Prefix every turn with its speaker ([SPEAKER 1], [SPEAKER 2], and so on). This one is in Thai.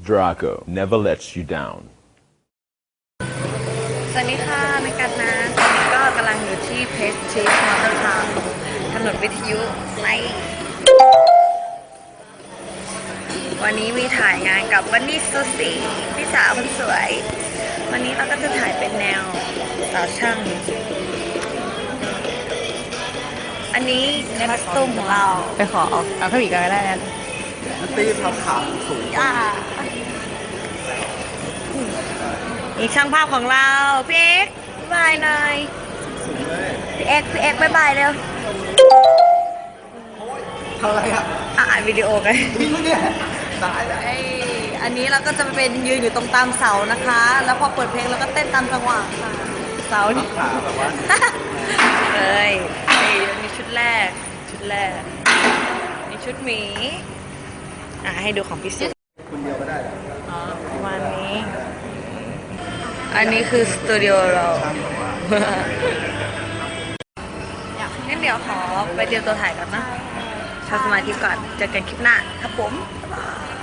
[SPEAKER 1] Draco never lets you down
[SPEAKER 2] สวัสดีค่ะในกันนะตอนนี้ก็กำลังอยู่ที่เพสทริสมอเตอร์ทาวน์ถนนวิทยุในวันนี้มีถ่ายงานกับวันนี้ซูซี่พี่สาวคนสวยวันนี้เราก็จะถ่ายเป็นแนวสาวช่างอันนี้คอสตูมของเราไปขอเอาข้าวหมีกันก็ได้นะ
[SPEAKER 3] ตีทำขาสูง
[SPEAKER 2] อีกช่างภาพของเราพี่เอ็กซ์บายหน่อย
[SPEAKER 3] สูงเลย
[SPEAKER 2] พี่เอ็กซ์บายเร็ว
[SPEAKER 3] ทำอะไรอ่ะ
[SPEAKER 2] อ่านวิดีโอกัน
[SPEAKER 3] วิ่งเนี่ยตายแล้ว
[SPEAKER 2] อันนี้เราก็จะเป็นยืนอยู่ตรงตามเสานะคะ แล้วพอเปิดเพลงเราก็เต้นตามจังหวะค่ะเสานี่
[SPEAKER 3] ขาแบบว่า
[SPEAKER 2] เอ้ยนี่ชุดแรกนี่ชุดหมีให้ดูของพี่สุ
[SPEAKER 3] คนเดียวก็ได้เหรอ
[SPEAKER 2] ประมาณนี้ อันนี้คือสตูดิโอเรางั้นเดี๋ยวขอไปเตรียมตัวถ่ายกันนะทำสมาธิก่อนเจอกันคลิปหน้าครับผมบ๊ายบาย